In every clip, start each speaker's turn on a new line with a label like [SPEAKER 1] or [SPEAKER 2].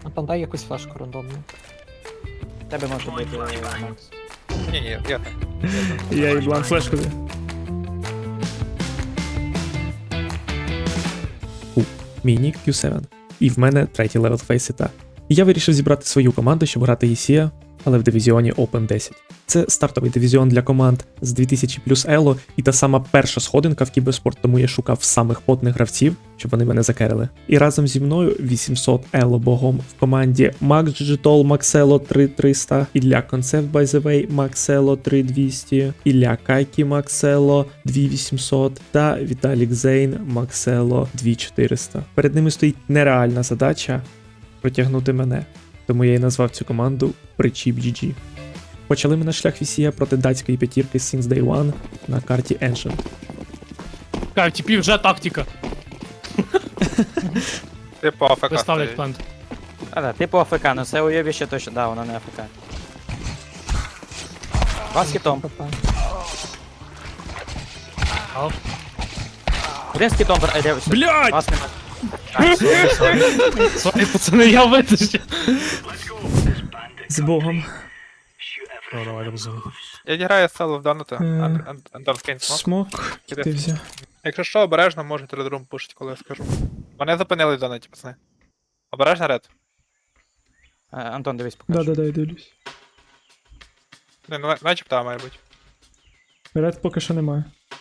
[SPEAKER 1] А там дай якусь флешку рандомну.
[SPEAKER 2] Тебе може бути Макс.
[SPEAKER 3] Ні, я так.
[SPEAKER 4] Я їй блан флешку даю. Міні Q7. І в мене третій левел фейсита. І я вирішив зібрати свою команду, щоб грати ЄСІА, але в дивізіоні Open 10. Це стартовий дивізіон для команд з 2000 плюс ело і та сама перша сходинка в кіберспорт, тому я шукав самих потних гравців, щоб вони мене закерили. І разом зі мною 800 ело богом в команді Макс Джитол, Максело 3300, Ілля Концепт by the way, Максело 3200, Ілля Кайкі Максело 2800 та Віталік Зейн Максело 2400. Перед ними стоїть нереальна задача протягнути мене, тому я і назвав цю команду Причіп GG. Почали ми наш шлях Вісія проти датської п'ятірки Since Day One на карті Ancient.
[SPEAKER 5] Кай, типів вже тактика.
[SPEAKER 3] Ти по АФК
[SPEAKER 5] Виставлять
[SPEAKER 3] стоїть.
[SPEAKER 5] плент.
[SPEAKER 2] Да, типу АФК, ну це уйобіще точно, да, воно не АФК. Вас хітом.
[SPEAKER 5] Ау.
[SPEAKER 2] Один з хітом,
[SPEAKER 4] Блядь!
[SPEAKER 2] вас нема.
[SPEAKER 5] Сорі, пацани, я витащу.
[SPEAKER 4] З Богом.
[SPEAKER 5] О, давай, розумію.
[SPEAKER 3] Я граю село в Донута.
[SPEAKER 4] Е.
[SPEAKER 3] Антон скинь смок.
[SPEAKER 4] Смок, ти взяв.
[SPEAKER 3] Якщо що, обережно, можете редрум пушить, коли я скажу. Мене зупинили в Донаті, пацани. Обережно ред.
[SPEAKER 2] Антон, дивись, покажи.
[SPEAKER 4] Да-да-да, я дивлюсь.
[SPEAKER 3] Не, ну начебто має бути.
[SPEAKER 4] Ред поки що немає.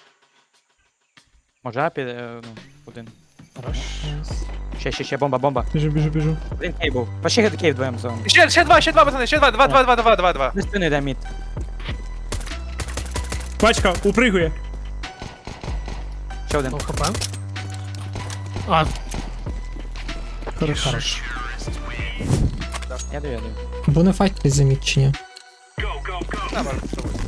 [SPEAKER 2] Може апі, ну, один.
[SPEAKER 5] Хорош.
[SPEAKER 2] Ще, бомба.
[SPEAKER 4] Біжу.
[SPEAKER 2] Один кейв був. Пошли кейв вдвоєм зону.
[SPEAKER 3] Ще два, пацани, ще два.
[SPEAKER 2] Не спини, йде мід.
[SPEAKER 4] Пачка, упригує.
[SPEAKER 2] Ще один.
[SPEAKER 5] Ну, хп. А,
[SPEAKER 4] Хорошо.
[SPEAKER 5] хорош.
[SPEAKER 2] Я даю.
[SPEAKER 1] Бо не файт під замічення.
[SPEAKER 3] Да, можна спробувати.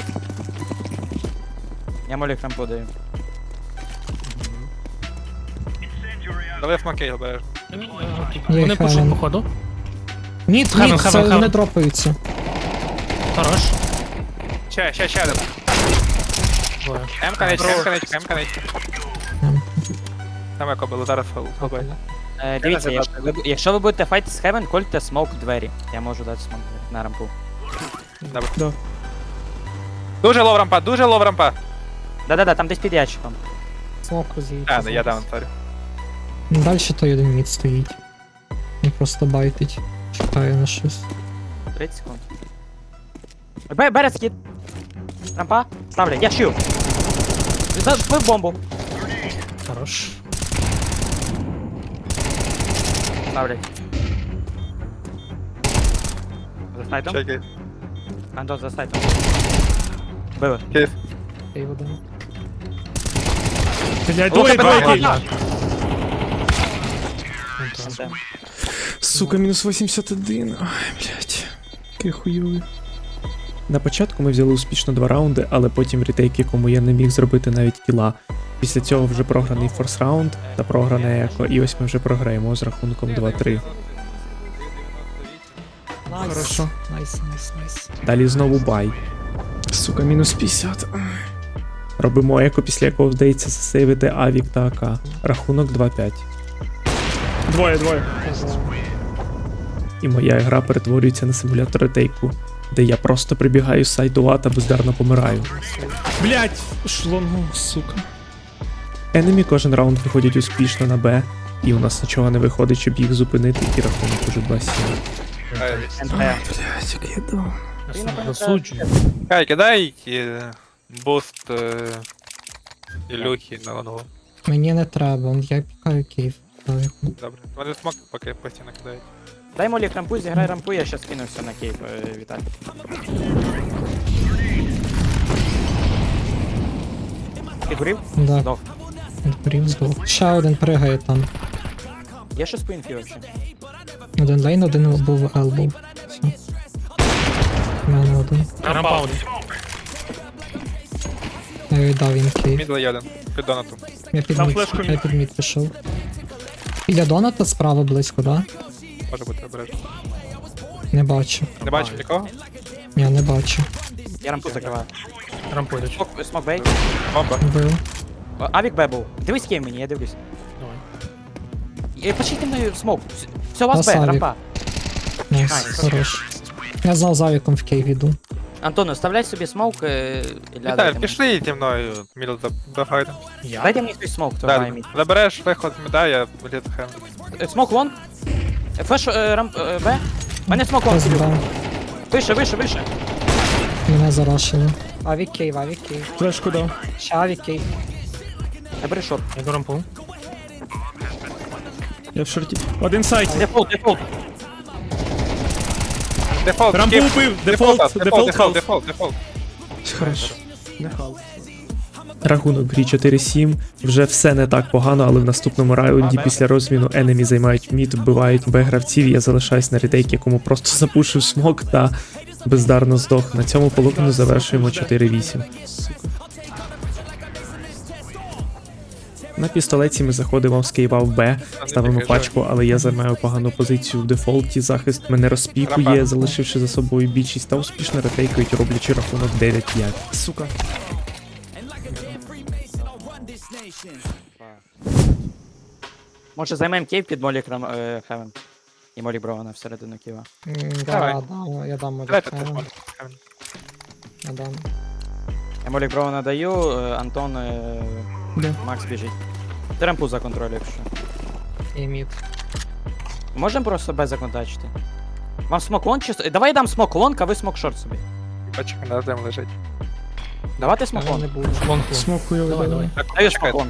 [SPEAKER 2] Я молік рампу даю.
[SPEAKER 3] Дали смокей обережно.
[SPEAKER 5] Вони пушать,
[SPEAKER 1] Хевен.
[SPEAKER 5] походу.
[SPEAKER 1] Ніт,
[SPEAKER 5] Хевен,
[SPEAKER 1] ніт,
[SPEAKER 5] хевен,
[SPEAKER 1] це
[SPEAKER 5] хевен.
[SPEAKER 1] вони дропаються.
[SPEAKER 5] Хорош.
[SPEAKER 3] Ще один.
[SPEAKER 5] Двоє.
[SPEAKER 3] М-канечка. Там як було, зараз хобай.
[SPEAKER 2] Дивіться,
[SPEAKER 3] не
[SPEAKER 2] якщо ви будете файт з Heaven, кольте смок в двері. Я можу дати смок на рампу.
[SPEAKER 3] Добре.
[SPEAKER 4] Да.
[SPEAKER 3] Дуже лов рампа.
[SPEAKER 2] Да, там десь під ящиком.
[SPEAKER 1] Смок роз'їдеться.
[SPEAKER 3] А, я даун, сорі.
[SPEAKER 1] Далі той один мід стоїть. Він просто байтить. Чекає на щось.
[SPEAKER 2] 30 секунд. Бере скид. Рампа. Ставлю. Я щу. Вбив бомбу.
[SPEAKER 5] Хорош.
[SPEAKER 2] Ставлять. За сайтом.
[SPEAKER 3] Чекай.
[SPEAKER 2] Антон, за сайтом. Били.
[SPEAKER 3] Кейс.
[SPEAKER 1] Кейв один.
[SPEAKER 4] Блядь,
[SPEAKER 2] Лука,
[SPEAKER 4] двоє.
[SPEAKER 2] Антон.
[SPEAKER 4] Сука, мінус 81. Ай, блядь. Який хуйовий. На початку ми взяли успішно 2 раунди, але потім в ретейк, якому я не міг зробити навіть кіла. Після цього вже програний форс раунд та програне еко, і ось ми вже програємо з рахунком 2-3. Хорошо.
[SPEAKER 1] Найс.
[SPEAKER 4] Далі знову бай. Сука, мінус 50. Робимо еко, після якого вдається засейвити Авік та АК. Рахунок 2-5. Двоє. І моя гра перетворюється на симулятор ретейку, де я просто прибігаю з сайту А та бездарно помираю. Блять! Шлонгу, сука. Енемі кожен раунд виходять успішно на Б, і у нас нічого не виходить, щоб їх зупинити, і рахунок уже 2-7.
[SPEAKER 2] НТ.
[SPEAKER 4] Блять, як я дав.
[SPEAKER 5] Я сам засуджую.
[SPEAKER 3] Кай, кидай буст Ілюхи на лонгу.
[SPEAKER 1] Мені не треба, я пікаю кейв.
[SPEAKER 3] Добре. Вони смок поки постійно кидають.
[SPEAKER 2] Дай молік рампу, зіграй рампу, я щас кинувся на кейв, Віталій. Ти горів?
[SPEAKER 1] Да,
[SPEAKER 2] Здох.
[SPEAKER 1] відборів здох. Ще один пригає там.
[SPEAKER 2] Є щось по інфі вообще?
[SPEAKER 1] Один лейн, один був елбоw. Все. У мене один.
[SPEAKER 5] Рампа один.
[SPEAKER 1] Я віддав їм кейв.
[SPEAKER 3] Мідл є один. Під донатом.
[SPEAKER 1] Я під
[SPEAKER 5] Там
[SPEAKER 1] мід,
[SPEAKER 5] флешку
[SPEAKER 1] я під мід пішов. Біля доната справа близько, да?
[SPEAKER 3] Може бути обережно.
[SPEAKER 1] Не бачу.
[SPEAKER 3] Не бачив нікого?
[SPEAKER 1] Я не бачу.
[SPEAKER 2] Я рампу закриваю.
[SPEAKER 5] Рампу йдуть.
[SPEAKER 2] Смок бей.
[SPEAKER 3] Бомба.
[SPEAKER 1] Вбив.
[SPEAKER 2] Авік Б був. Дивись кейв мені, я дивлюсь.
[SPEAKER 5] Давай.
[SPEAKER 2] Почти мною смок. Все, у вас Б,
[SPEAKER 1] Авік.
[SPEAKER 2] рампа.
[SPEAKER 1] Найс,
[SPEAKER 2] Найс.
[SPEAKER 1] хорош. Я знав за віком в Київ іду.
[SPEAKER 2] Антон, оставляй собі смоук, і
[SPEAKER 3] Віталь,
[SPEAKER 2] дайте
[SPEAKER 3] пішли зі мною мідл забагайте.
[SPEAKER 5] Я?
[SPEAKER 2] Дайте мені свій смоук, то грає
[SPEAKER 3] Далі.
[SPEAKER 2] мід.
[SPEAKER 3] Забереш виход з міда, я літ хем.
[SPEAKER 2] Смок лонг. Флеш рамп Б. Мене смок лонг.
[SPEAKER 1] Хтось брав.
[SPEAKER 2] Вище.
[SPEAKER 1] Мене зарашили. Авік Київ, авік Київ.
[SPEAKER 4] Флешку дав.
[SPEAKER 1] Ще авік Київ.
[SPEAKER 2] Я бери шорт.
[SPEAKER 5] Я йду рампу.
[SPEAKER 4] Я в шорті. Один сайт.
[SPEAKER 2] Дефолт.
[SPEAKER 3] Дефолт,
[SPEAKER 4] Рампу
[SPEAKER 3] скіп.
[SPEAKER 4] убив.
[SPEAKER 3] Дефолт,
[SPEAKER 4] Дефолт.
[SPEAKER 3] дефолт.
[SPEAKER 4] Хорошо. Рахунок в грі 4-7. Вже все не так погано, але в наступному раунді після розміну енемі займають мід, вбивають Б-гравців. Я залишаюсь на ретейк, якому просто запушив смок та бездарно здох. На цьому половину завершуємо 4-8. На пістолеті ми заходимо з Києва в Б, ставимо пачку, але я займаю погану позицію в дефолті. Захист мене розпікує, залишивши за собою більшість та успішно ретейкають, роблячи рахунок 9-5. Сука.
[SPEAKER 2] Може займемо кейв під Молік Хевен. І Молік Брована всередину ківа.
[SPEAKER 3] Давай.
[SPEAKER 1] Я дам
[SPEAKER 3] Давайте
[SPEAKER 1] Молік.
[SPEAKER 3] тут.
[SPEAKER 1] Я дам.
[SPEAKER 2] Я Молік Брована даю, Антон,
[SPEAKER 4] Де?
[SPEAKER 2] Макс біжить. Ти рампу законтролюй, якщо.
[SPEAKER 1] І мід.
[SPEAKER 2] Можемо просто Б законтачити? Вам смок лонг чи... Давай я дам смок лонг, а ви смок шорт собі.
[SPEAKER 3] Пачка на землі лежить.
[SPEAKER 2] Давайте смок
[SPEAKER 1] Я
[SPEAKER 2] лонг.
[SPEAKER 1] не буду.
[SPEAKER 5] Лонку.
[SPEAKER 4] Смокую.
[SPEAKER 5] Давай, давай.
[SPEAKER 3] Так,
[SPEAKER 2] Даю
[SPEAKER 3] чекай.
[SPEAKER 2] смок лонг.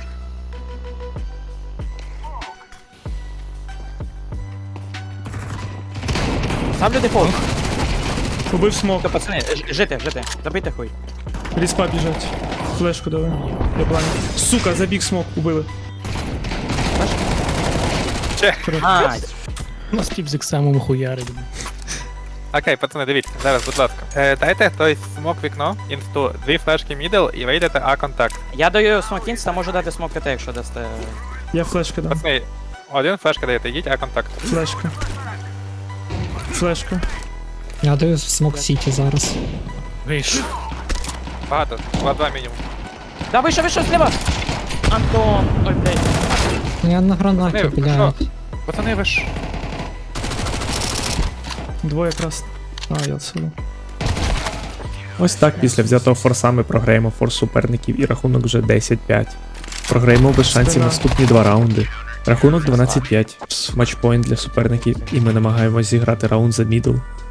[SPEAKER 2] Ставлю дефолт.
[SPEAKER 4] Убив смок.
[SPEAKER 2] То, пацани, жити. Забийте хуй.
[SPEAKER 4] Ріспа біжать. Флешку давай. Я бланк. Сука, забіг смок, убили.
[SPEAKER 2] Ай,
[SPEAKER 5] У нас тип з ексемом хуярить.
[SPEAKER 3] Окей, пацани, дивіться, зараз, будь ласка. Дайте хтось смок вікно, інсту, 2 флешки мідл і вийдете А-контакт.
[SPEAKER 2] я даю смок інста, можу дати смок КТ, якщо дасте.
[SPEAKER 4] Я флешку дам.
[SPEAKER 3] Пацани, один флешка даєте, йдіть А-контакт.
[SPEAKER 4] Флешка. Флешка.
[SPEAKER 1] Я даю смок Сіті зараз.
[SPEAKER 5] Вийш.
[SPEAKER 3] Багато, 2 мінімум.
[SPEAKER 2] Да, вийшов, зліва! Антон, ой, блядь.
[SPEAKER 1] Я на гранаті,
[SPEAKER 3] Пацани,
[SPEAKER 1] блядь.
[SPEAKER 3] Пацани, ви ж...
[SPEAKER 4] Двоє якраз. А, я сюди. Ось так після взятого форса ми програємо форс суперників і рахунок вже 10-5. Програємо без шансів наступні 2 раунди. Рахунок 12-5. Матчпоінт для суперників, і ми намагаємось зіграти раунд за мідл.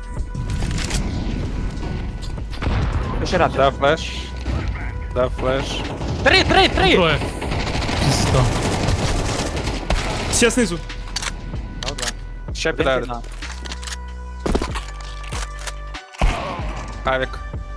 [SPEAKER 2] Ще раз.
[SPEAKER 3] Дав флеш. Дав флеш.
[SPEAKER 2] 3!
[SPEAKER 5] Троє. Пізда.
[SPEAKER 4] Ще знизу.
[SPEAKER 3] Ще
[SPEAKER 2] Він
[SPEAKER 3] підають.
[SPEAKER 2] пізна.
[SPEAKER 3] Авік.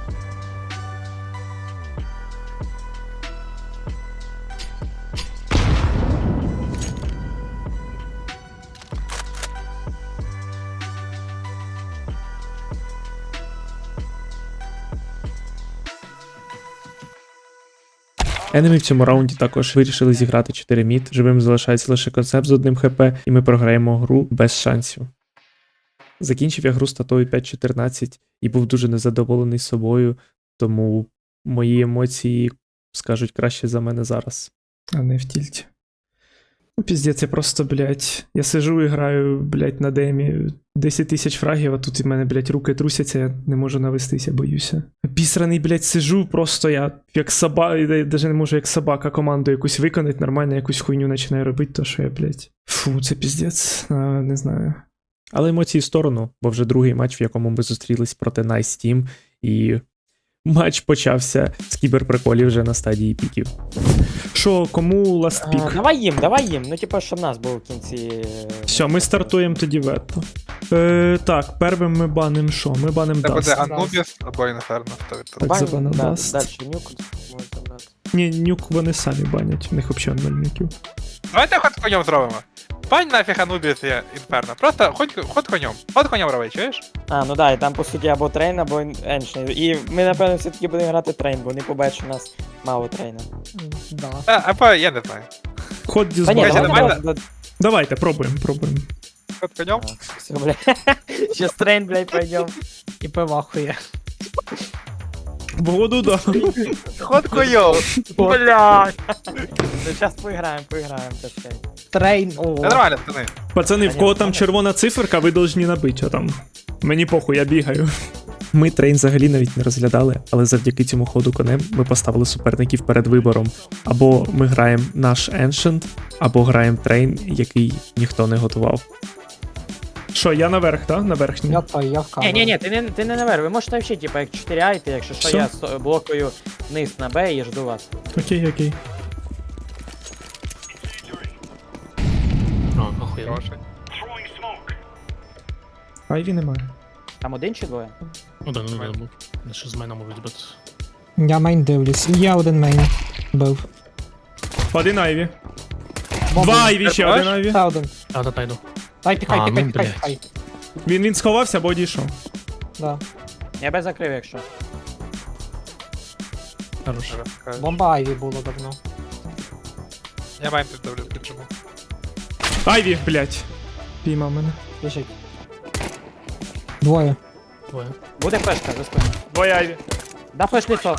[SPEAKER 4] Енемі в цьому раунді також вирішили зіграти 4 мід. Живим залишається лише концепт з 1 хп, і ми програємо гру без шансів. Закінчив я гру статою 5-14 і був дуже незадоволений собою, тому мої емоції скажуть краще за мене зараз. А не в тільті. Ну, піздець, я просто, блядь, я сижу і граю, блядь, на демі 10 тисяч фрагів, а тут і в мене, блядь, руки трусяться, я не можу навестися, боюся. Пісраний, блядь, сижу, просто я як собака, я навіть не можу як собака команду якусь виконати, нормально якусь хуйню починаю робити, то що я, блядь. Фу, це піздець, не знаю. Але емоції в сторону, бо вже другий матч, в якому ми зустрілись проти Nice Team, і матч почався з кіберприколів вже на стадії піків. Що, кому ласт пік?
[SPEAKER 2] Давай їм. Ну, типа, щоб нас був в кінці.
[SPEAKER 4] Все, ми стартуємо тоді ветто. Так, первим ми баним що? Ми баним
[SPEAKER 3] Це буде
[SPEAKER 4] Даст.
[SPEAKER 3] Анубіс або Інферно.
[SPEAKER 4] Так, забанив Даст.
[SPEAKER 2] Дальше нюк можете брати.
[SPEAKER 4] Ні, нюк вони самі банять, у них взагалі 0 нюків.
[SPEAKER 3] Давайте ход конем зробимо. Пань нафіг Анубіс є Інферно. Просто ход конем. Ход конем роби, чуєш?
[SPEAKER 2] А, ну да, і там по суті або трейн, або еншний. І ми, напевно, все-таки будемо грати трейн, бо вони побачать, у нас мало трейна.
[SPEAKER 1] Да.
[SPEAKER 3] Або я не знаю.
[SPEAKER 4] Ход
[SPEAKER 2] Та ні,
[SPEAKER 3] Бачите,
[SPEAKER 4] дізбан.
[SPEAKER 3] давай-
[SPEAKER 4] Давайте, пробуємо.
[SPEAKER 3] Ход конем.
[SPEAKER 2] Все, бля. Сейчас трейн, блядь, пойдем.
[SPEAKER 1] І пивахує.
[SPEAKER 4] Воду, да.
[SPEAKER 3] Ход конем.
[SPEAKER 2] Блядь. Ну, сейчас поиграем, так сказать.
[SPEAKER 1] Трейн,
[SPEAKER 3] Це
[SPEAKER 1] о.
[SPEAKER 3] нормально, пацани.
[SPEAKER 4] Пацани, в кого там червона циферка, ви должні набити, а там. Мені похуй, я бігаю. Ми трейн взагалі навіть не розглядали, але завдяки цьому ходу конем ми поставили суперників перед вибором. Або ми граємо наш Ancient, або граємо трейн, який ніхто не готував. Що, я наверх, так? На верхній?
[SPEAKER 1] Я в камеру.
[SPEAKER 2] Ні, ти не наверх, ви можете взагалі, типа, як 4 айти, якщо що,
[SPEAKER 4] Що?
[SPEAKER 2] я блокую вниз на Б і жду вас.
[SPEAKER 4] Окей.
[SPEAKER 5] О, охуєнно.
[SPEAKER 3] Хороший.
[SPEAKER 4] Айві немає.
[SPEAKER 2] Там один чи двоє?
[SPEAKER 5] Один був. Не що з мене можуть бути.
[SPEAKER 1] Я мейн дивлюсь. Я один мейн бив.
[SPEAKER 4] Один Айві.
[SPEAKER 1] Бомба.
[SPEAKER 4] Два Айві, ще
[SPEAKER 3] Бачиш?
[SPEAKER 4] один Айві.
[SPEAKER 1] Та один.
[SPEAKER 5] Та йду.
[SPEAKER 1] Дай, пікай,
[SPEAKER 5] А,
[SPEAKER 1] пікай,
[SPEAKER 5] ну,
[SPEAKER 1] пікай,
[SPEAKER 5] блядь.
[SPEAKER 1] пікай.
[SPEAKER 4] Він сховався або одійшов.
[SPEAKER 1] Да.
[SPEAKER 2] Я Б закрив, якщо.
[SPEAKER 5] Хорош.
[SPEAKER 1] Бомба Айві було давно.
[SPEAKER 3] Я майн піддавлю, піджиму.
[SPEAKER 4] Айві, блять. Піймав мене.
[SPEAKER 1] Біжить. Двоє.
[SPEAKER 5] Двоє.
[SPEAKER 2] Буде флешка за спину.
[SPEAKER 4] Двоє Айві.
[SPEAKER 2] Да, флеш лицо.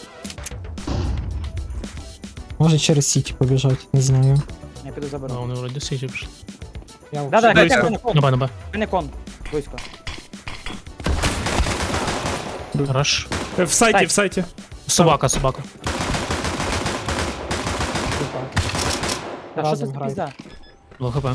[SPEAKER 1] Може через сіті побіжать, не знаю.
[SPEAKER 2] Я піду
[SPEAKER 5] А
[SPEAKER 2] заберу.
[SPEAKER 5] вони вроді сіті пішли.
[SPEAKER 1] Я
[SPEAKER 2] Да,
[SPEAKER 4] Близько.
[SPEAKER 2] мене кон.
[SPEAKER 5] На Б.
[SPEAKER 2] Мене кон. Близько.
[SPEAKER 5] Хорош.
[SPEAKER 4] В сайті,
[SPEAKER 2] Сайт.
[SPEAKER 4] в сайті.
[SPEAKER 5] Собака.
[SPEAKER 2] Та що це
[SPEAKER 1] Разом
[SPEAKER 2] за
[SPEAKER 1] грають.
[SPEAKER 2] пізда?
[SPEAKER 5] 2 хп.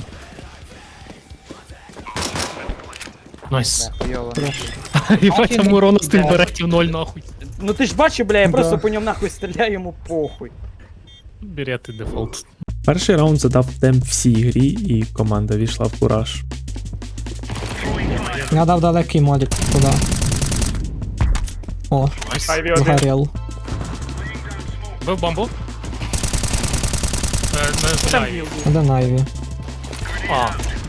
[SPEAKER 5] Найс.
[SPEAKER 2] Хуйово.
[SPEAKER 5] Єбать, там урона стиль беретів 0 нахуй.
[SPEAKER 2] Ну ти ж бачив, бля, я
[SPEAKER 1] Да.
[SPEAKER 2] просто по ньому нахуй стріляю, йому похуй.
[SPEAKER 5] Берети дефолт.
[SPEAKER 4] Перший раунд задав темп всій грі, і команда війшла в кураж.
[SPEAKER 1] Я дав далекий молік туди. О,
[SPEAKER 5] Найс.
[SPEAKER 4] Айві
[SPEAKER 1] згорів.
[SPEAKER 5] Бив бомбу. Не знаю.
[SPEAKER 1] Один Айві.
[SPEAKER 5] А,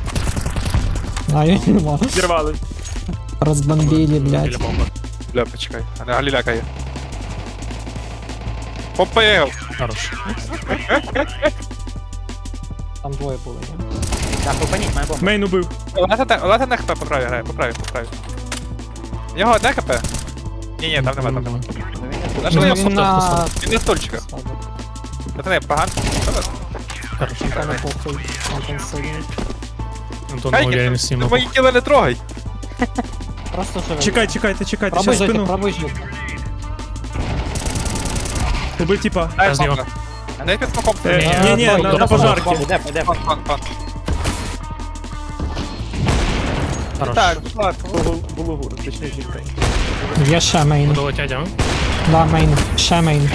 [SPEAKER 1] Айві нема.
[SPEAKER 4] Зірвали.
[SPEAKER 1] Розбомбили,
[SPEAKER 5] біля
[SPEAKER 1] блядь.
[SPEAKER 5] бомби.
[SPEAKER 3] Бля, почекай. А не галіляка є. Попив!
[SPEAKER 5] Хорош.
[SPEAKER 1] Там двоє були, ні?
[SPEAKER 2] Так, попаніть, моя бомба.
[SPEAKER 4] Мейн убив.
[SPEAKER 3] Олега на хп по правій грає, по правій. В нього одне хп? Ні, там нема, там нема. Наш
[SPEAKER 5] Ну,
[SPEAKER 3] він
[SPEAKER 5] він
[SPEAKER 1] на...
[SPEAKER 3] він на стульчиках. Пацани, погано.
[SPEAKER 5] Хорош.
[SPEAKER 1] Та не похуй. Антон сильний.
[SPEAKER 5] Антон уверенності
[SPEAKER 3] Ти
[SPEAKER 5] йому.
[SPEAKER 3] мої тіла не трогай.
[SPEAKER 1] Просто живе.
[SPEAKER 4] Чекайте,
[SPEAKER 1] Пробуй
[SPEAKER 4] щас
[SPEAKER 1] жити,
[SPEAKER 4] спину.
[SPEAKER 1] пробуй жити.
[SPEAKER 4] Убив типа.
[SPEAKER 3] Дай
[SPEAKER 5] Я з нього.
[SPEAKER 3] смока. Дай під смоком.
[SPEAKER 4] Ні, на пожарки.
[SPEAKER 2] Де?
[SPEAKER 3] Фон.
[SPEAKER 5] Хорош.
[SPEAKER 3] Так, було гур, точніше жінка.
[SPEAKER 1] Є ще мейн.
[SPEAKER 5] Долетять, а?
[SPEAKER 1] Да, мейн. Ще мейн.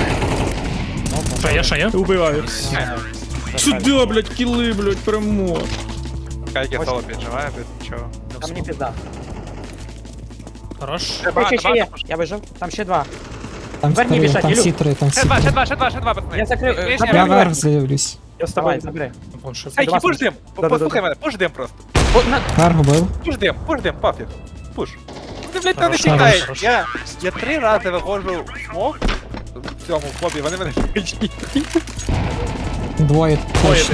[SPEAKER 5] Ще є?
[SPEAKER 4] Убиваю. Сюди, блять, кіли, блять, перемог.
[SPEAKER 3] Кайки соло піджимає, без нічого.
[SPEAKER 2] Там не пізда.
[SPEAKER 5] Хорош.
[SPEAKER 2] Ще є. Я вижив. Там ще два.
[SPEAKER 1] Там
[SPEAKER 2] Верні
[SPEAKER 1] три,
[SPEAKER 2] біжать,
[SPEAKER 1] там
[SPEAKER 2] Ілю.
[SPEAKER 1] всі три, там всі
[SPEAKER 3] Ще
[SPEAKER 1] три.
[SPEAKER 3] два, пацани.
[SPEAKER 2] Я закрив.
[SPEAKER 3] Лишня
[SPEAKER 2] забрав
[SPEAKER 1] Я
[SPEAKER 3] верх.
[SPEAKER 1] вверх дивлюсь.
[SPEAKER 2] Давай, забери.
[SPEAKER 5] Вон ще.
[SPEAKER 3] Ей,
[SPEAKER 2] Два
[SPEAKER 3] пуш дим!
[SPEAKER 2] Да-да-да.
[SPEAKER 3] Послухай мене, пуш дим просто.
[SPEAKER 1] Вверх бив.
[SPEAKER 3] Пуш дим, пофіг. Пуш. Ти, блядь, там не
[SPEAKER 5] Хорош,
[SPEAKER 3] тікаєш.
[SPEAKER 5] хорош.
[SPEAKER 3] Я 3 рази виходжу в смок в цьому фобі, вони мене кричать.
[SPEAKER 1] Двоє точно.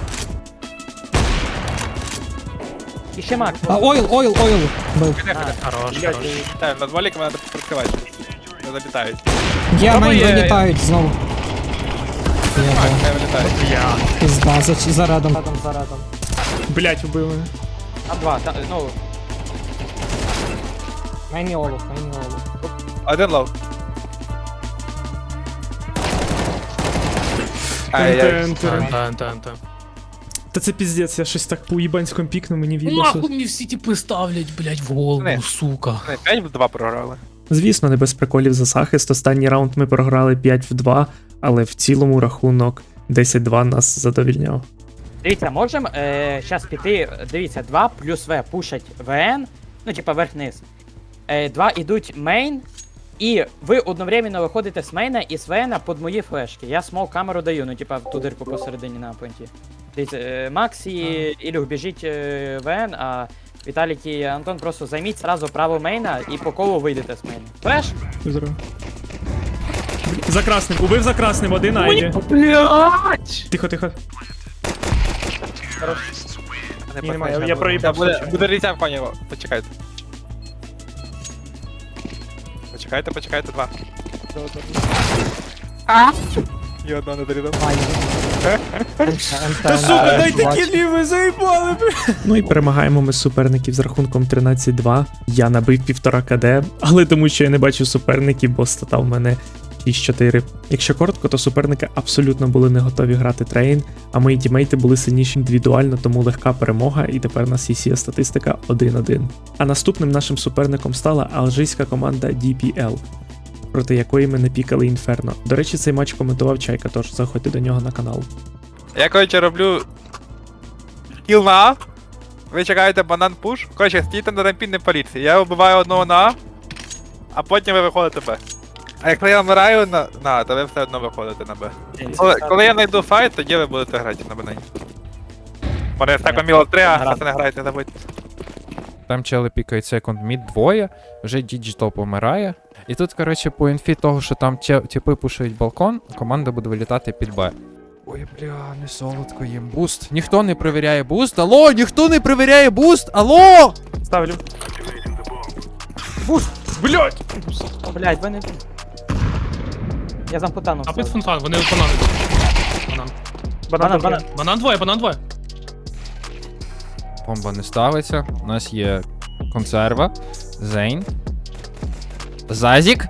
[SPEAKER 2] І ще мак.
[SPEAKER 1] А, ойл бив.
[SPEAKER 5] Хорош.
[SPEAKER 3] Так, над валіком треба прикривати. Не забітають.
[SPEAKER 1] Є, мейн
[SPEAKER 3] є.
[SPEAKER 1] вилітають знову. Є,
[SPEAKER 3] Так,
[SPEAKER 1] да.
[SPEAKER 3] не вилітають.
[SPEAKER 1] Пізда, за радом.
[SPEAKER 4] Блять, убив мене.
[SPEAKER 2] Там два. Ну,
[SPEAKER 1] Мейн і олух, мейн і олух.
[SPEAKER 3] Один лов. Ай-яй.
[SPEAKER 5] Та.
[SPEAKER 4] Та це піздець, я щось так по уїбанському пікну, мені в'їбався.
[SPEAKER 5] Нахуй мені всі типи ставлять, блять, в голову,
[SPEAKER 3] Не.
[SPEAKER 5] сука.
[SPEAKER 3] 5-2 програли.
[SPEAKER 4] Звісно, не без приколів за захист. Останній раунд ми програли 5-2, але в цілому рахунок 10-2 нас задовільняв.
[SPEAKER 2] дивіться, можемо зараз піти, дивіться, 2 плюс В пушать ВН, ну типа верх-низ. 2 ідуть мейн, і ви одновременно виходите з мейна і з ВН під мої флешки. Я смол камеру даю, ну типа в ту дирку посередині на понті. Дивіться, Макс і Ілюх біжіть ВН, а Віталік і Антон просто займіть сразу право мейна і по колу вийдете з мейна. Флеш?
[SPEAKER 4] Здорово. За красним, убив за красним, один Айві.
[SPEAKER 5] Блять!
[SPEAKER 4] Тихо. Ні, немає, я
[SPEAKER 3] Та
[SPEAKER 4] проїбав.
[SPEAKER 3] буде різя в коні, почекайте. Почекайте, 2. І одного не дорідав.
[SPEAKER 1] Та сука, дайте
[SPEAKER 4] кілі, ви заїбали! Ну і перемагаємо ми суперників з рахунком 13-2. Я набив 1,5 КД, але тому що я не бачив суперників, бо стата в мене 6-4. Якщо коротко, то суперники абсолютно були не готові грати трейн, а мої тімейти були сильніші індивідуально, тому легка перемога, і тепер у нас є статистика 1-1. А наступним нашим суперником стала алжирська команда DPL, проти якої ми не пікали Інферно. До речі, цей матч коментував Чайка, тож заходьте до нього на канал.
[SPEAKER 3] Я, коротше, роблю кіл на А. Ви чекаєте банан пуш. Коротше, стійте на рампі, не паліться. Я вбиваю одного на А, а потім ви виходите Б. А якщо я вмираю на А, то ви все одно виходите на Б. Коли я знайду файт, тоді ви будете грати на банані. Мене так міло 3, а пацани грають, не забудьте.
[SPEAKER 6] Там чели пікають секунд мід двоє, вже Діджитал помирає. І тут, коротше, по інфі того, що там тіпи пушують балкон, команда буде вилітати під Б. Ой, бля, не солодко їм. Буст. Ніхто не перевіряє буст. Алло, ніхто не перевіряє буст. Алло!
[SPEAKER 2] Ставлю.
[SPEAKER 5] Блять!
[SPEAKER 2] Блять, ви не... Я замкутану.
[SPEAKER 5] А під фонтан, вони банани. Банан.
[SPEAKER 2] Банан.
[SPEAKER 5] Банан двоє.
[SPEAKER 6] Бомба не ставиться. У нас є консерва. Зейн. Зазік.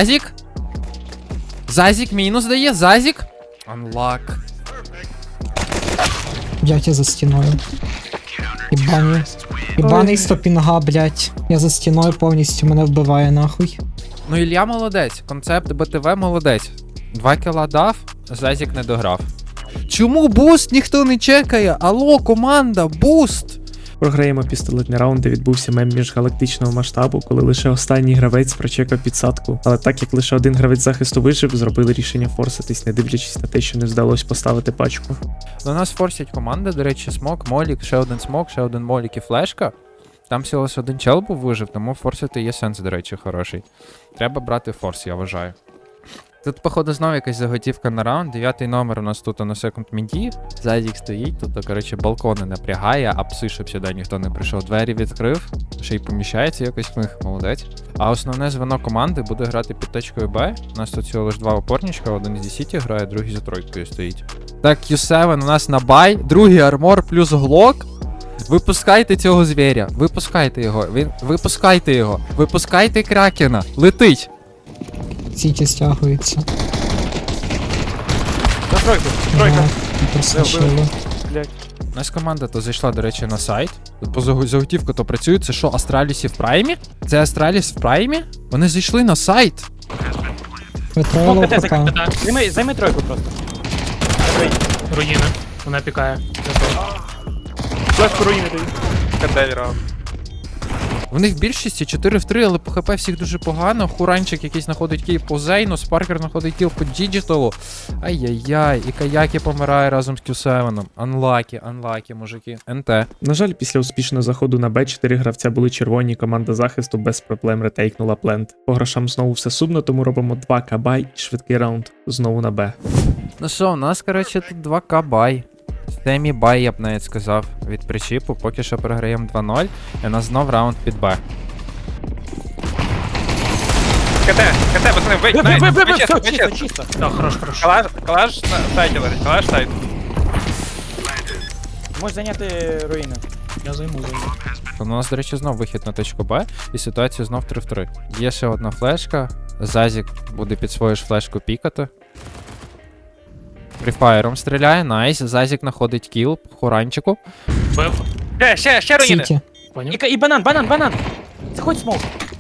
[SPEAKER 6] Зазік мінус дає. Зазік. Unlock.
[SPEAKER 1] Блять, я за стіною. Ібаний стопінга, блять. Я за стіною повністю мене вбиває нахуй.
[SPEAKER 6] Ну, Ілля молодець. Концепт БТВ молодець. 2 кіла дав, Зазік не дограв. Чому буст ніхто не чекає? Алло, команда, буст!
[SPEAKER 4] Програємо пістолетний раунд, де відбувся мем міжгалактичного масштабу, коли лише останній гравець прочекав підсадку. Але так як лише один гравець захисту вижив, зробили рішення форситись, не дивлячись на те, що не вдалося поставити пачку.
[SPEAKER 6] До нас форсять команди, до речі, смок, молік, ще один молік і флешка. Там всього лише один чел був вижив, тому форсити є сенс, до речі, хороший. Треба брати форс, я вважаю. Тут, походу, знову якась заготівка на раунд. 9-й номер у нас тут на секунд міді. Зазік стоїть, тут, коротше, балкони напрягає, а пси, щоб сюди ніхто не прийшов. Двері відкрив, ще й поміщається якось в них, молодець. А основне звено команди буде грати під точкою Б. У нас тут всього лише 2 опорничка, один зі Сіті грає, другий за тройкою стоїть. Так, Q7 у нас на бай, другий армор плюс глок. Випускайте цього звіря, випускайте його, випускайте кракена, летить.
[SPEAKER 1] Сіті стягується.
[SPEAKER 2] За тройку.
[SPEAKER 1] Ага, просочили.
[SPEAKER 6] У нас команда то зайшла, до речі, на сайт. Тут по заготівку то працює. Це що, Астралісі в праймі? Це Астраліс в праймі? Вони зайшли на сайт.
[SPEAKER 1] Витроїло
[SPEAKER 2] Смок,
[SPEAKER 1] ПК.
[SPEAKER 2] Займи тройку просто.
[SPEAKER 5] Руїни. Вона пікає.
[SPEAKER 2] Флешку руїни даю.
[SPEAKER 3] КД раунд.
[SPEAKER 6] Вони в більшості 4 в 3, але по ХП всіх дуже погано. Хуранчик якийсь знаходить кіл по Зейну, Спаркер знаходить кіл по Діджиталу. Ай-яй-яй, і Каякі помирає разом з Q7. Анлакі, мужики. НТ.
[SPEAKER 4] На жаль, після успішного заходу на Б 4 гравця були червоні, команда захисту без проблем ретейкнула плент. По грошам знову все сумно, тому робимо 2К бай і швидкий раунд знову на Б.
[SPEAKER 6] Ну що, у нас, коротше, тут 2К бай. Семі бай, я б навіть сказав, від причіпу. Поки що програємо 2-0, і у нас знов раунд під Б.
[SPEAKER 3] КТ, пацани, вийдь,
[SPEAKER 2] Все, чисто.
[SPEAKER 5] Так, хорош.
[SPEAKER 3] Калаш на сайті лежить, калаш сайт.
[SPEAKER 2] Можеш зайняти руїни.
[SPEAKER 5] Я займу.
[SPEAKER 6] У нас, до речі, знов вихід на точку Б, і ситуація знов 3 в 3. Є ще одна флешка, Зазік буде під свою ж флешку пікати. Фріфаєром стріляє, найс, Зазік знаходить кіл, хуранчику.
[SPEAKER 5] Бив.
[SPEAKER 3] Ще руїни.
[SPEAKER 1] Сіті.
[SPEAKER 5] Поняв?
[SPEAKER 2] І банан. Заходь смок.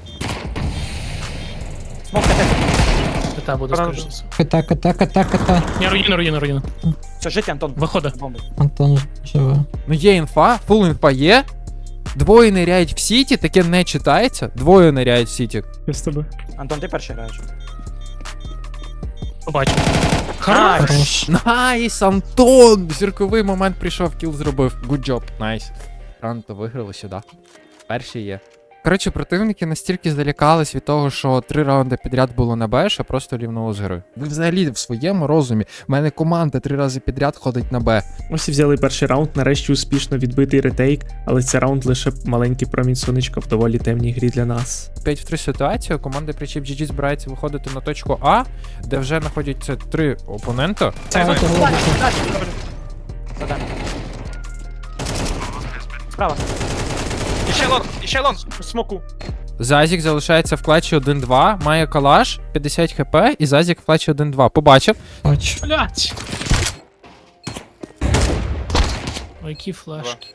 [SPEAKER 2] Смок КТ.
[SPEAKER 5] КТ буде, скоріше.
[SPEAKER 1] Ката.
[SPEAKER 5] Ні, руїни.
[SPEAKER 2] Все, жити, Антон.
[SPEAKER 5] Виходить.
[SPEAKER 2] Бомби.
[SPEAKER 1] Антон живе.
[SPEAKER 6] Ну є інфа, фул інфа є. Двоє ниряють в сіті, таке не читається. Двоє ниряють в сіті.
[SPEAKER 4] Без тебе.
[SPEAKER 2] Антон, ти перший граєш.
[SPEAKER 5] Побачив.
[SPEAKER 1] Хорош.
[SPEAKER 6] Найс, Антон! Зірковий момент прийшов, кіл зробив. Good job, найс. Ранто виграли сюди. Перші є. Коротше, противники настільки залякались від того, що 3 раунди підряд було на Б, що просто рівнуло з гри. Ви взагалі в своєму розумі. У мене команда 3 рази підряд ходить на Б.
[SPEAKER 4] Ось і взяли перший раунд, нарешті успішно відбитий ретейк, але цей раунд лише маленький промінь сонечка в доволі темній грі для нас.
[SPEAKER 6] 5 в 3 ситуація, команда Причіп GG збирається виходити на точку А, де вже знаходяться 3 опонента.
[SPEAKER 1] Це того лобіка.
[SPEAKER 2] Задам. Справа.
[SPEAKER 3] І ще лонг.
[SPEAKER 5] Смоку.
[SPEAKER 6] Зазік залишається в клатчі 1-2, має калаш, 50 хп, і Зазік в клатчі 1-2. Побачив.
[SPEAKER 1] Бач.
[SPEAKER 5] Блять. Ой, які флешки.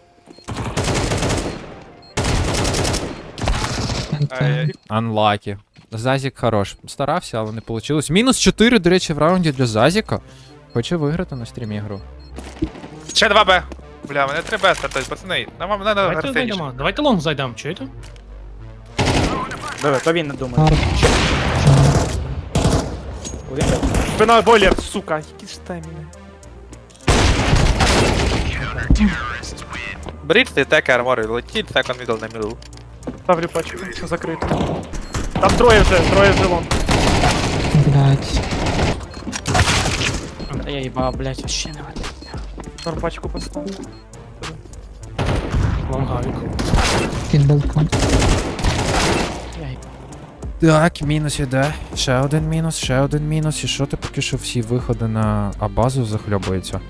[SPEAKER 3] Ай-яй.
[SPEAKER 6] Unlucky. Зазік хорош. Старався, але не вийшло. Мінус 4, до речі, в раунді для Зазіка. Хоче виграти на стрімі гру.
[SPEAKER 3] Ще 2Б. Бля, мене 3Б стартують, пацани. Нам треба
[SPEAKER 5] Давайте
[SPEAKER 3] агресивніше.
[SPEAKER 5] зайдемо. Давайте лонг зайдемо, чуєте?
[SPEAKER 2] Диви, то він не думає.
[SPEAKER 1] Арт.
[SPEAKER 2] Один.
[SPEAKER 3] Спина бойлер, сука. Які ж таймінги. Беріть цей тек армори, летіть секонд мідл на мідл.
[SPEAKER 7] Ставлю пачку, закрито. Там троє вже лон.
[SPEAKER 1] Блять.
[SPEAKER 2] Та я їбав, блядь, вообще не вийде.
[SPEAKER 7] Там пачку поставлю.
[SPEAKER 5] Лонгавік.
[SPEAKER 1] Під балкон.
[SPEAKER 6] Так, мінус іде. Ще один мінус. І що ти поки що всі виходи на А-базу захльобуються?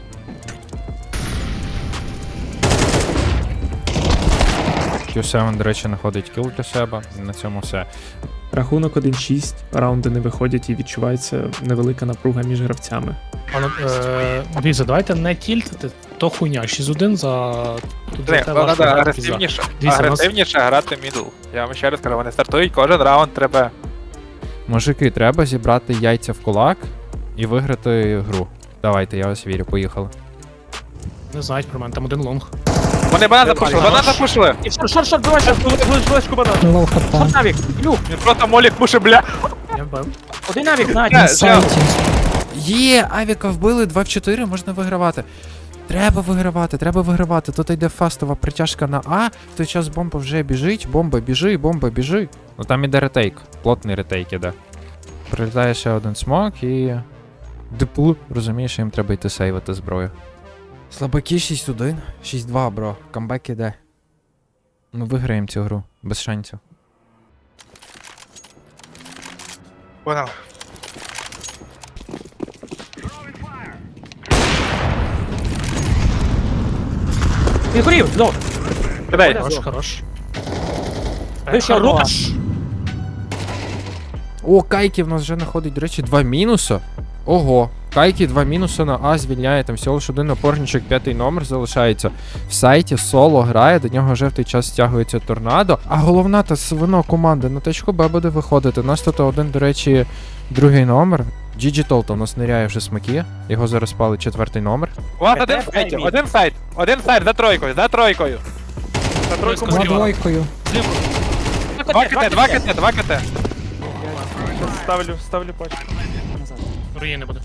[SPEAKER 6] Q7, до речі, знаходить кіл для себе. І на цьому все.
[SPEAKER 4] Рахунок 1-6, раунди не виходять і відчувається невелика напруга між гравцями.
[SPEAKER 5] Дивіться, давайте не тільтити, то хуйня. 6-1 за... Тут за те
[SPEAKER 3] Треба
[SPEAKER 5] важко грати,
[SPEAKER 3] агресивніше.
[SPEAKER 5] Дивіться, у нас-
[SPEAKER 3] Агресивніше грати мідл. Я вам ще раз кажу, вони стартують кожен раунд треба.
[SPEAKER 6] Мужики, треба зібрати яйця в кулак і виграти гру. Давайте, я вас вірю, поїхали.
[SPEAKER 5] Не знають про мене, там один лонг.
[SPEAKER 3] Вони банан запушили.
[SPEAKER 2] І шорт, давай, шорт.
[SPEAKER 7] Флешку банан.
[SPEAKER 1] Лоу хп.
[SPEAKER 2] Шорт навік, люк.
[SPEAKER 3] Він просто молік пушить, бля.
[SPEAKER 5] Я вбив.
[SPEAKER 2] Один навік, на,
[SPEAKER 1] На сайті.
[SPEAKER 6] Є, авіка вбили, 2 в 4, можна вигравати. Треба вигравати. Тут йде фастова притяжка на А, в той час бомба вже біжить, бомба біжи. Ну там іде ретейк, плотний ретейк іде. Прилітає ще один смок і... Депу, розумієш, їм треба йти сейвити зброю. Слабаки 6-1, 6-2, бро, камбек іде. Ну виграємо цю гру, без шансів.
[SPEAKER 3] Понял.
[SPEAKER 2] Він горів, знову.
[SPEAKER 3] Кидай.
[SPEAKER 5] Хорош.
[SPEAKER 2] Ви що,
[SPEAKER 5] Хорош.
[SPEAKER 6] О, Кайки в нас вже знаходить, до речі, 2 мінуса. Ого, Кайки 2 мінуси на А звільняє, там всього лиш один опорничок, 5-й номер залишається. В сайті соло грає, до нього вже в той час стягується торнадо. А головна та свино команда на точку Б буде виходити. У нас тут один, до речі, 2-й номер. GG Толта у нас ниряє вже смаки. Його зараз палить 4-й номер.
[SPEAKER 3] У вас один сайт, за тройкою.
[SPEAKER 7] На тройку
[SPEAKER 1] За двойкою.
[SPEAKER 3] 2 КТ.
[SPEAKER 7] ставлю пачку.
[SPEAKER 5] Руїни буде.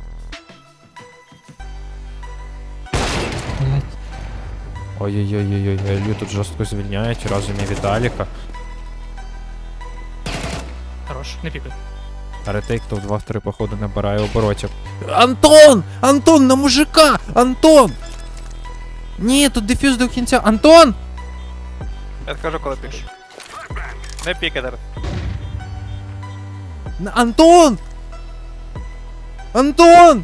[SPEAKER 1] Блять.
[SPEAKER 6] Ой-ой-ой-ой, Елю тут жорстко звільняють, разом і Віталіка.
[SPEAKER 5] Хорош, не пікай.
[SPEAKER 6] А ретейк то в 2-3 походу набирає оборотів. Антон! Антон, на мужика! Антон! Ні, тут дефюз до кінця. Антон!
[SPEAKER 3] Я скажу, коли пікай. Не пікай зараз.
[SPEAKER 6] Антон! Антон!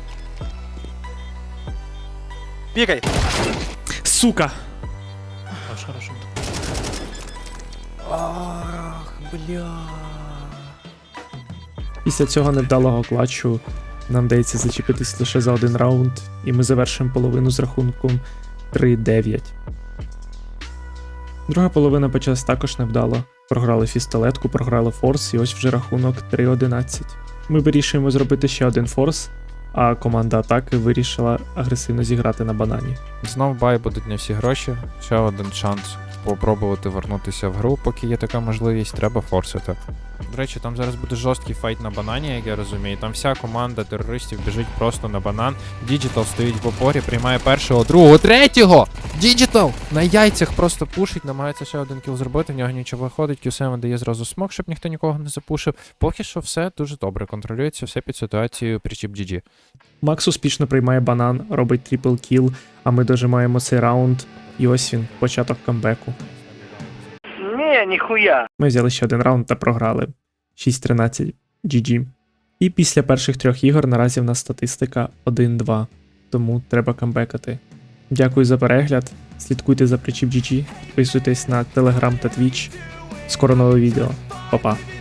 [SPEAKER 3] Пікай.
[SPEAKER 4] Сука!
[SPEAKER 5] Хорош.
[SPEAKER 6] Ах, бля.
[SPEAKER 4] Після цього невдалого клатчу нам вдається зачепитись лише за один раунд, і ми завершимо половину з рахунком 3-9. Друга половина почалась також невдало. Програли фістолетку, програли форс, і ось вже рахунок 3-11. Ми вирішуємо зробити ще один форс, а команда атаки вирішила агресивно зіграти на банані.
[SPEAKER 6] Знов бай будуть не всі гроші. Ще один шанс попробувати вернутися в гру, поки є така можливість, треба форсити. До речі, там зараз буде жорсткий файт на банані, як я розумію. Там вся команда терористів біжить просто на банан. Діджитал стоїть в опорі, приймає першого, другого, третього! Діджитал! На яйцях просто пушить, намагається ще один кіл зробити, в нього нічого виходить, Q7 дає зразу смок, щоб ніхто нікого не запушив. Поки що все дуже добре, контролюється все під ситуацією причіп GG.
[SPEAKER 4] Макс успішно приймає банан, робить трипл кіл, а ми дожимаємо цей раунд. І ось він, початок камбеку.
[SPEAKER 7] Ні, ніхуя.
[SPEAKER 4] Ми взяли ще один раунд та програли. 6-13 GG. І після перших 3 ігор наразі в нас статистика 1-2, тому треба камбекати. Дякую за перегляд, слідкуйте за Причіп GG, підписуйтесь на Telegram та Twitch. Скоро нове відео. Па-па.